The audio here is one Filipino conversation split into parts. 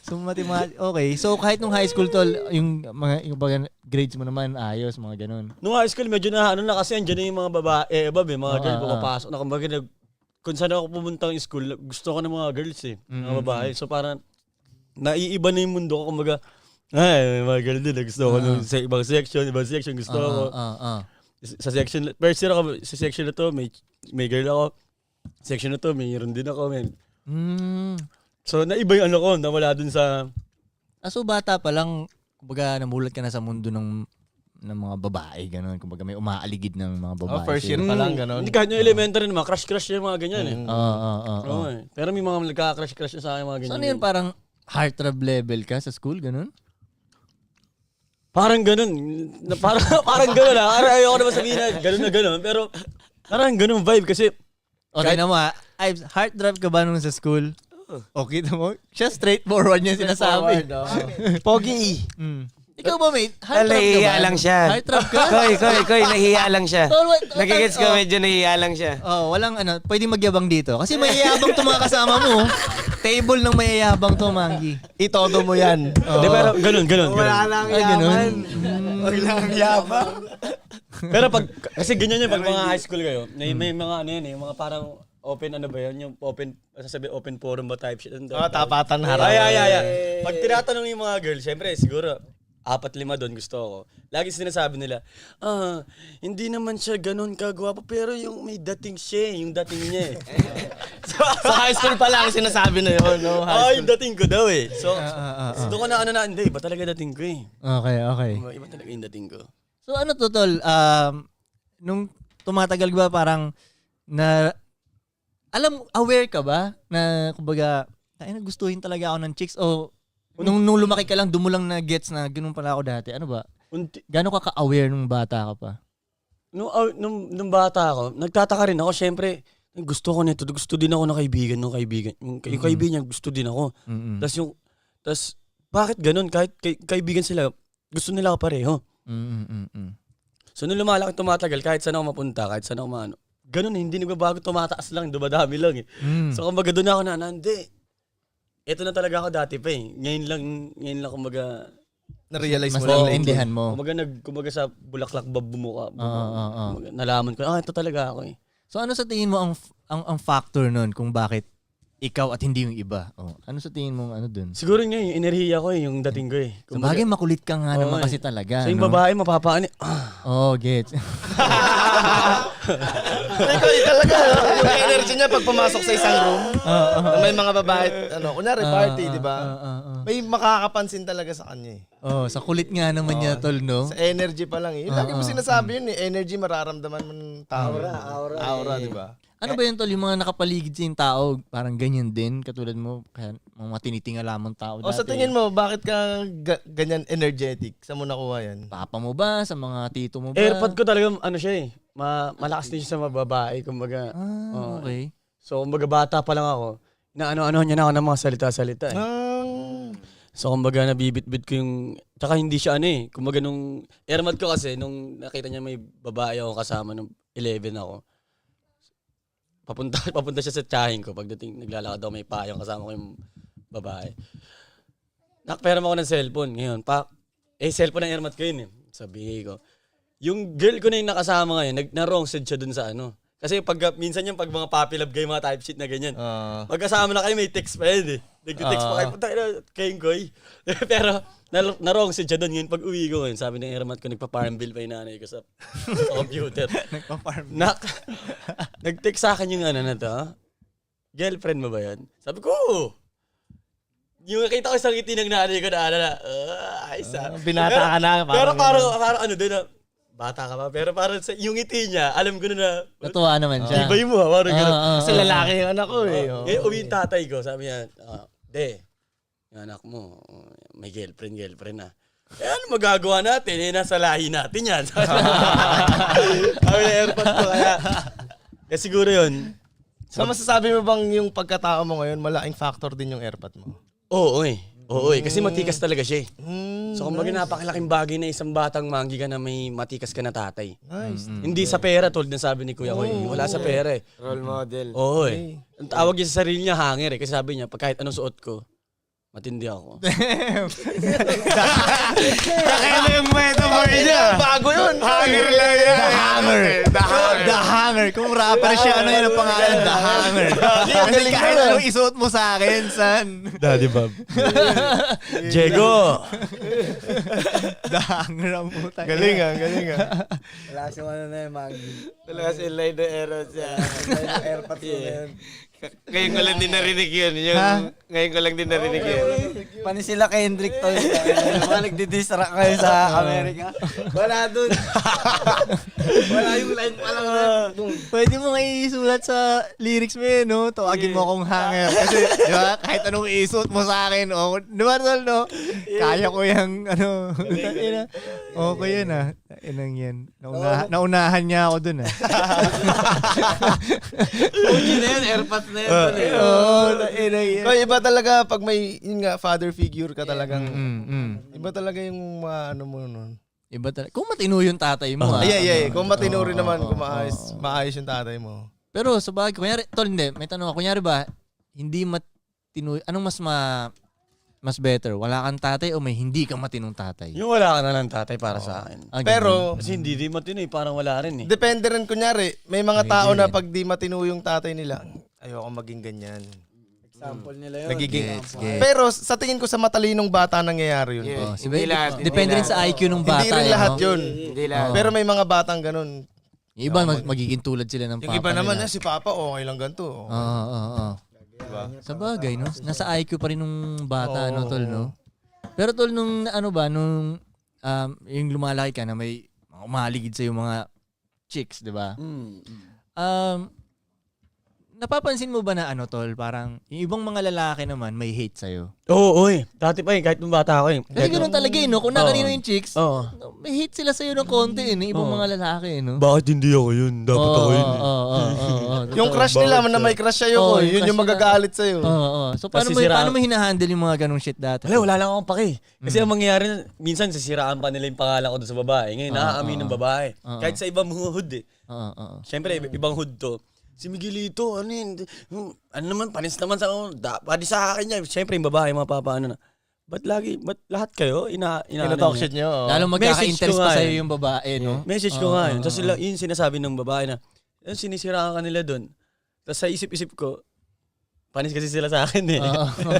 So, okay. So, kahit nung high school, tol, yung baga, grades mo naman, ayos, mga ganun. Nung high school, medyo na, ano na kasi, andyan yung mga babae, mga girl, pumapasok na. Kumbaga, kung saan ako pumunta ng school, gusto ko ng mga girls mga babae. So, parang, naiiba na yung mundo ko. Kumbaga, ay, mga girl din, gusto ko nung ibang section, gusto ko. Sa section, first year ako, sa section na to, may girl ako. Section na to, mayroon din ako, men. So, naiba yung ano ko, nawala dun sa... So, bata pa lang, kumbaga, namulat ka na sa mundo ng mga babae, gano'n. Kumbaga, may umaaligid ng mga babae. First year pa lang, gano'n. Hindi kahit yung elementary naman, crush yung mga ganyan Pero may mga nagka-crush sa akin, mga ganyan. So, ano yun, parang heartthrob level ka sa school, gano'n? Parang gano'n. Parang gano'n ayoko naman sabihin na gano'n. Pero, parang gano'n vibe kasi... Okay na mo heartthrob ka ba nung sa school? Okay na mo? Siya straightforward niya sinasabi. Pogi. Ikaw ba, mate? Heartthrob ka ba? Nahihiya lang siya. Heartthrob ka? Koy, nahihiya lang siya. Nagigets ko, medyo nahihiya lang siya. Walang pwedeng magyabang dito. Kasi mayayabang to mga kasama mo. Table ng mayayabang to, Mangi. Itodo mo yan. Di, pero gano'n. Wala lang yaman. Wala lang yabang. Pero kasi ganyan pag mga high school kayo, may mga ano yan mga parang open ano ba yan, yung open forum ba type shit. Tapatan harap. Ay. Pag tinatanong yung mga girls, syempre siguro 4-5 doon gusto ko. Lagi sinasabi nila, hindi naman siya ganun kagwapo, pero yung may dating siya, yung dating niya Sa high school pa lang sinasabi na yun, no? yung dating ko daw So doon ko na hindi, iba talaga dating ko Okay. Iba talaga yung dating ko. So ano to, tol? Nung tumatagal ba parang aware ka ba na kumbaga, gustuhin talaga ako ng chicks o nung lumaki ka lang, doon mo lang na gets na ganun pala ako dati. Ano ba? Gano'n ka ka-aware nung bata ka pa? Nung bata ako, nagtataka rin ako, syempre, gusto ko nito, gusto din ako ng kaibigan. Yung kaibigan niya, gusto din ako. Tapos, bakit ganun? Kahit kaibigan sila, gusto nila ako pareho. So, nung lumalaki, tumatagal, kahit saan ako mapunta, kahit saan ako maano, ganun hindi nagbabago, tumataas lang, dumadami lang So, kumbaga doon ako hindi. Ito na talaga ako dati pa Ngayon lang kumbaga na-realize mas mo lang. naintindihan mo. Kumbaga sa bulaklak bumuka. Nalaman ko, ito talaga ako So ano sa tingin mo ang factor nun kung bakit ikaw at hindi yung iba? Ano sa tingin mo dun? Siguro nga yung enerhiya ko yung dating ko Sa bagay makulit ka nga naman kasi talaga. So yung babae mapapaani. Gets. Ikaw talaga, yung energy niya pag pumasok sa isang room, may mga babae, kunyari party, di ba? May makakapansin talaga sa kanya Sa kulit nga naman niya, tol, no? Sa energy pa lang Lagi mo sinasabi yun energy mararamdaman mo ng tao. Aura, di ba? Ano ba yun, tol? Yung mga nakapaligid sa yung tao, parang ganyan din, katulad mo, kaya mga tinitinga lamang tao dati. Sa tingin mo, bakit ka ganyan energetic? Saan mo nakuha yan? Papa mo ba? Sa mga tito mo ba? Airpod ko talaga, siya malakas din siya sa mga babae, kumbaga. Okay. So, kumbaga bata pa lang ako, ano niya na ako ng mga salita-salita So, kumbaga nabibitbit ko yung, tsaka hindi siya kumbaga nung airpod ko kasi, nung nakita niya may babae ako kasama, nung 11 ako, papunta siya sa tiyahin ko. Pagdating, naglalakad ako, may payong kasama ko yung babae. Nakperam ako ng cellphone. Ngayon, cellphone ng airmat ko yun Sabi ko, yung girl ko na yung nakasama ngayon, na-wrong side siya dun sa Kasi minsan yung pag mga puppy love guy, mga type shit na ganyan. Magkasama na kayo, may text pa yun Nag-text pa kayo, punta kayong goy. Pero, na-wrong side siya dun. Ngayon, pag uwi ko ngayon, sabi ng airmat ko, nagpa-farm bill pa yung nanay ko sa computer. Nagpa-farm bill. Nag-text sa akin yung na to, girlfriend mo ba yan? Sabi ko, yung nakita ko sa ngiti ng nanay ko Binata ka na. Pero parang din bata ka pa. Pero parang yung ngiti niya, alam ko na natuwa naman siya. Ibay mo parang gano'n. Kasi lalaki yung anak ko Ngayon, uwi yung tatay ko, sabi niya, yung anak mo, may girlfriend na. Ano magagawa natin? Nasa lahi natin yan. Sabi na airpod ko kaya siguro yun. So masasabi mo bang yung pagkatao mo ngayon, malaking factor din yung airpod mo? Oo kasi matikas talaga siya So kumbaga napakalaking bagay na isang batang manggi ka na may matikas ka na tatay. Nice. Hindi sa pera, tulad ng sabi ni Kuya Koy. Wala sa pera Role model. Ang tawag niya sa sarili niya, hanger Kasi sabi niya, kahit anong suot ko, Matindi ako. Kakaiba yung metaphor niya. Bago yun. Hanger lang yan. The Hanger. Kung rapper siya, ano yun ang pangalan? The Hanger. Kasi kahit anong isuot mo sa akin, son. Daddy Bob. Diego. The Hanger ang puta. Galing ah. Wala siyang ano na yung mag... Talaga si Line the Eros yan. Airpods mo na yun. Ngayon ko lang din narinig yun. Ngayon ko lang din narinig yun. Pani sila Kendrick to. Mga nagdidistract kayo sa Amerika. Wala dun. Wala yung line pa lang. Pwede mo nga isulat sa lyrics mo yun, no? Tawagin mo akong hanger. Kasi, di ba, kahit anong isuot mo sa akin, o, di ba, tol, no? Kaya ko yung, ano, okay yun, ah. Inang yan. Naunahan niya ako dun, ah. Okay na yun, airpods na yun. Inang yan. Kaya iba talaga pag may, yun nga, father figure ka talagang, iba talaga yung ano mo nun. Iba talaga. Kung matino yung tatay mo, ah. Yeah. Kung matino rin naman, kung maayos yung tatay mo. Pero sa bagay, kunyari, tol, hindi, may tanong ako. Kunyari ba, hindi matino, anong mas better? Wala kang tatay o may hindi kang matinong tatay? Yung wala ka na lang tatay para sa akin. Ah, Pero, Kasi hindi din matino parang wala rin eh. depende rin, kunyari, may mga tao na pag di matino yung tatay nila, ayoko maging ganyan. Example nila yun. Nagiging. Gets. Pero sa tingin ko sa matalinong bata nangyayari yun. Oh, Hindi lahat. Depende rin sa IQ ng bata. Hindi rin eh, lahat no? yun. Hindi lahat. Pero may mga batang ganun. Yung iba, magiging tulad sila ng Yung papa iba naman, nila. si Papa, okay lang ganito. Oo. Diba? Sa bagay, no? Nasa IQ pa rin nung bata, Oo. no, tol, no? Pero tol, nung ano ba, nung yung lumalaki ka na may umaligid sa yung mga chicks, di ba? Napapansin mo ba na ano, tol, parang yung ibang mga lalaki naman may hate sa'yo? Oo, oy. Dati pa kahit nung bata ako Kasi ganoon talaga, no? Kung nakanino yung chicks, Oo. may hate sila sa'yo ng konti, yung ibang mga lalaki, no? Bakit hindi ako yun? Dapat ako yun. Yung crush nila na may crush sa'yo, Oo, yun yung yung crush magagalit sa'yo. So, paano mo, Nasisiraan. paano mo hinahandle yung mga ganong shit dati? Wala lang akong pake. Kasi ang mangyayari, minsan sisiraan pa nila yung pangalan ko doon sa babae. Ngayon, nakakaamin ng babae. Kahit sa ibang hood eh. Oo. Siyempre, ibang hood to. Si Miguelito, ano yun? Ano naman, panis naman sa pati sa akin niya. Siyempre, yung babae, mapapaano na. Ba't lahat kayo? Ina-talk shit nyo. Lalo magkaka-interest Message ko pa nga sa'yo yun. yung babae, no? Message ko nga yun. Tapos yun sinasabi ng babae na, sinisiraan ka nila doon. Tapos sa isip-isip ko, panis kasi sila sa akin eh.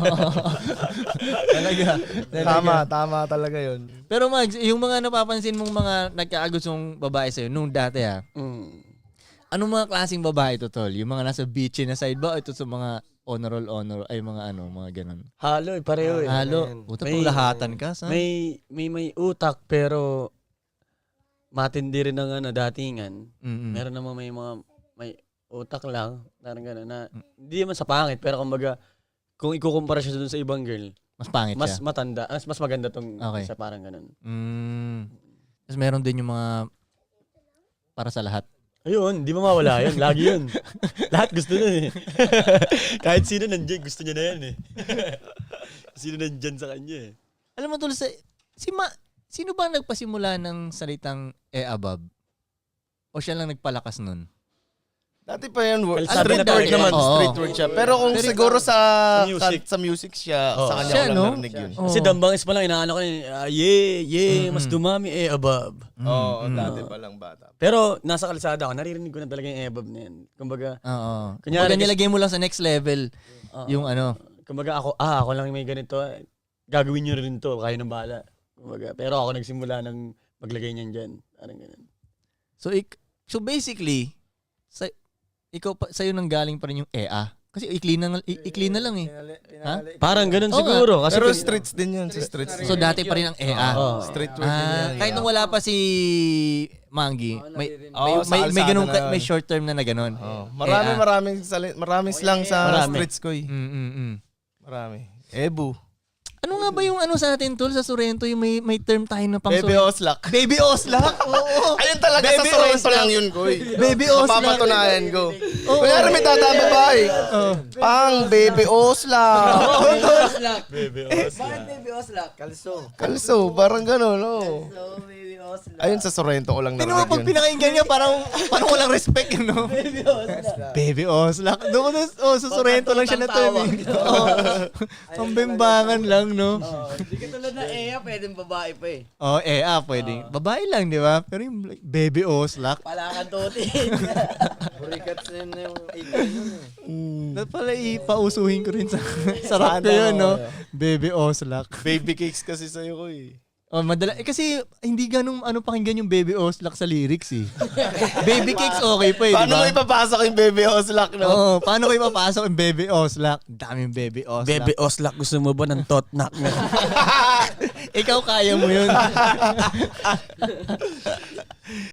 Talaga. Tama talaga yun. Pero Mags, yung mga napapansin mong mga nagkaagustong babae sa'yo nung dati anong mga klaseng babae ito, tol? Yung mga nasa beachy na side ba o ito sa mga honor, ay mga mga ganun? Halo eh, pareho eh. Halo. Puta, May- pulahatan ka, sa? May utak pero matindi rin ng datingan. Meron naman may utak lang, parang gano'n na hindi naman sa pangit pero kumbaga kung ikukumpara siya dun sa ibang girl, Mas pangit mas siya. matanda, mas maganda tong Okay. isa parang gano'n. Tapos meron din yung mga para sa lahat. Ayun, di mawawala yun. Lagi yun. Lahat gusto nun eh. Kahit sino nandiyan, gusto niya na yan eh. Sino nandiyan sa kanya eh. Alam mo, tol, sino ba nagpasimula ng salitang above? O siya lang nagpalakas nun? Dati pa yun, Kalsada street na word tayo. naman, Oo. street word siya. Pero kung siguro sa music. sa music siya, Oo. sa kanya Siya, ko lang no? narinig yun. Oo. Kasi dambangis pa lang, inaano ko mas dumami above. Oo, dati pa lang bata. Pero nasa kalsada ako, naririnig ko na talaga yung above na yan. Kumbaga, Oo. Kunyari, Kumbaga nilagay mo lang sa next level yung ano. kumbaga ako lang may ganito. Gagawin nyo rin to, kayo ng bahala. Kumbaga, pero ako nagsimula ng maglagay niyan dyan. Parang ganun. So basically, ikaw pa sa'yo nang galing pa rin yung EA. Kasi ikli na lang eh. Parang ganun Oo siguro. Kasi Pero streets din yun, sa streets. So dati pa rin ang EA. Street word din yan. Kahit nung wala pa si Mangi, sa may ganun kalsada na. may short term na ganon. Maraming slang sa Marami. streets ko eh. Marami. Ebu. Ano nga ba yung ano sa atin, tol, sa Sorrento, yung may term tayo na pang Baby Oslak. Baby Oslak? Oo. Ayun talaga Baby sa Sorrento Oslak. lang yun, Koy. Baby Oslak. Mapapatunayan ko. Oo. Kunyari may tatama babae. Pang Baby Oslak. Baby Bakit baby Oslak? Kalso. Kalso, parang gano'n, no? So, baby Ayun sa Sorrento ko lang Tingnan mo, narinig pag yun. pinakinggan niya, parang walang respect yun, no? Baby Oslak. Doon ko sa Sorrento lang siya na-term. Pambimbangan lang, no? Hindi ka tulad na Ea, pwedeng babae pa eh. Pwede. Babae lang, di ba? Pero yung like, Baby Oslak, Palakan tutin. Purikat na yung 8 yun eh. dapat pala ipausuhin ko rin sa sarap ko yun, no? Baby Oslak. Baby cakes kasi sa'yo ko eh. Kasi hindi ganun pakinggan yung Baby Oslak sa lyrics eh. Baby Cakes okay pa eh, di Paano ba? mo ipapasok yung Baby Oslak, no? Oo, paano ko ipapasok yung Baby Oslak? Daming Baby Oslak. Bebe Oslak, gusto mo ba ng totnak na? Ikaw kaya mo yun.